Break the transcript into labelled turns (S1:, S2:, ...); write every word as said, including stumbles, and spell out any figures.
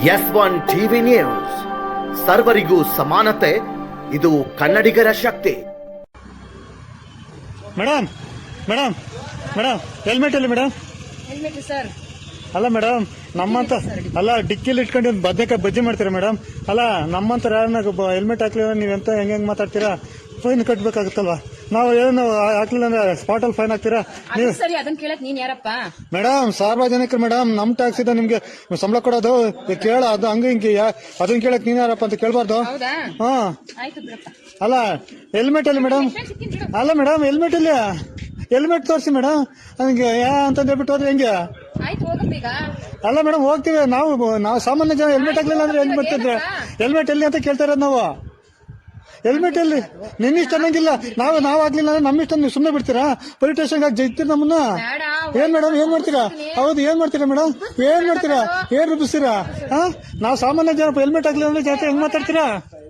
S1: S one TV news, ಸರ್ವರಿಗೂ ಸಮಾನತೆ, ಇದು ಕನ್ನಡಿಗರ ಶಕ್ತಿ.
S2: ಮೇಡಮ್ ಮೇಡಮ್ ಮೇಡಮ್ ಹೆಲ್ಮೆಟ್ ಅಲ್ಲಿ ಮೇಡಮ್.
S3: Helmet sir.
S2: ಅಲ್ಲ ಮೇಡಮ್, ನಮ್ಮಂತ ಅಲ್ಲ ಡಿಕ್ಕಿಲಿ ಇಟ್ಕೊಂಡು ಒಂದು ಬದನೆಕಾಯಿ ಬಜ್ಜಿ ಮಾಡ್ತೀರಾ ಮೇಡಮ್? ಅಲ್ಲ ನಮ್ಮಂತರ ಯಾರನ್ನ ಹೆಲ್ಮೆಟ್ ಹಾಕ್ಲಿಲ್ಲ ನೀವೆಂತ ಹೆಂಗ್ ಹೆಂಗ್ ಮಾತಾಡ್ತೀರಾ? ಫೈನ್ ಕಟ್ಬೇಕಾಗುತ್ತಲ್ವಾ? ನಾವು ಏನು ಹಾಕ್ಲಿಲ್ಲ ಅಂದ್ರೆ ಸ್ಪಾಟ್ ಅಲ್ಲಿ ಫೈನ್ ಹಾಕ್ತೀರಾ ನೀವು?
S3: ಸರಿ, ಅದನ್ನ ಕೇಳಕ್ ನೀನ್ ಯಾರಪ್ಪ?
S2: ಮೇಡಮ್ ಸಾರ್ವಜನಿಕರು ಮೇಡಮ್, ನಮ್ ಟ್ಯಾಕ್ಸ್ ಇದೆ ನಿಮ್ಗೆ ಸಂಬಳ ಕೊಡೋದು, ಕೇಳ ಅದು ಹಂಗ ಹಿಂಗೆ ಅದನ್ನ ಕೇಳಕ್ ನೀನ್ ಯಾರಪ್ಪ ಅಂತ ಕೇಳ್ಬಾರ್ದು.
S3: ಹೌದಾ?
S2: ಹಾ
S3: ಆಯ್ತು ಬಿಡಪ್ಪ.
S2: ಅಲ್ಲ ಹೆಲ್ಮೆಟ್ ಅಲ್ಲಿ ಮೇಡಮ್. ಅಲ್ಲ ಮೇಡಮ್ ಹೆಲ್ಮೆಟ್ ಇಲ್ಲಿ ಹೆಲ್ಮೆಟ್ ತೋರಿಸಿ ಮೇಡಮ್. ನನಗೆ ಯಾ ಅಂತ ಹೇಳ್ಬಿಟ್ಟು ಹೋದ್ರೆ ಹೆಂಗೆ?
S3: ಆಯ್ತು ಹೋಗಪ್ಪ ಈಗ.
S2: ಅಲ್ಲ ಮೇಡಮ್ ಹೋಗ್ತೀವಿ ನಾವು. ನಾವು ಸಾಮಾನ್ಯ ಜನ ಹೆಲ್ಮೆಟ್ ಹಾಕ್ಲಿಲ್ಲ ಅಂದ್ರೆ ಹೆಂಗ್ ಬರ್ತಿದ್ರೆ? ಹೆಲ್ಮೆಟ್ ಎಲ್ಲಿ ಅಂತ ಕೇಳ್ತಾ ಇರೋದು ನಾವು. ಹೆಲ್ಮೆಟ್ ಎಲ್ಲಿ? ನಿನ್ನ ಇಷ್ಟ ಅನ್ನಂಗಿಲ್ಲ. ನಾವು ನಾವು ಆಗ್ಲಿಲ್ಲ ಅಂದ್ರೆ ನಮ್ಮ ಇಷ್ಟ ನೀವು ಸುಮ್ಮನೆ ಬಿಡ್ತೀರಾ? ಪೊಲೀಸ್ ಸ್ಟೇಷನ್ಗೆ ಹಾಕಿ ಜೈತೀರಿ ನಮ್ಮನ್ನ. ಏನ್ ಮೇಡಮ್ ಏನ್ ಮಾಡ್ತೀರಾ? ಹೌದು ಏನ್ ಮಾಡ್ತೀರಾ ಮೇಡಮ್? ಏನ್ ಮಾಡ್ತೀರಾ? ಏನ್ ರೂಪಿಸ್ತೀರಾ? ಹಾ, ನಾವು ಸಾಮಾನ್ಯ ಜನ ಹೆಲ್ಮೆಟ್ ಹಾಕ್ಲಿಲ್ಲ ಅಂದ್ರೆ ಜಾತಿ ಹೆಂಗ್ ಮಾತಾಡ್ತೀರಾ?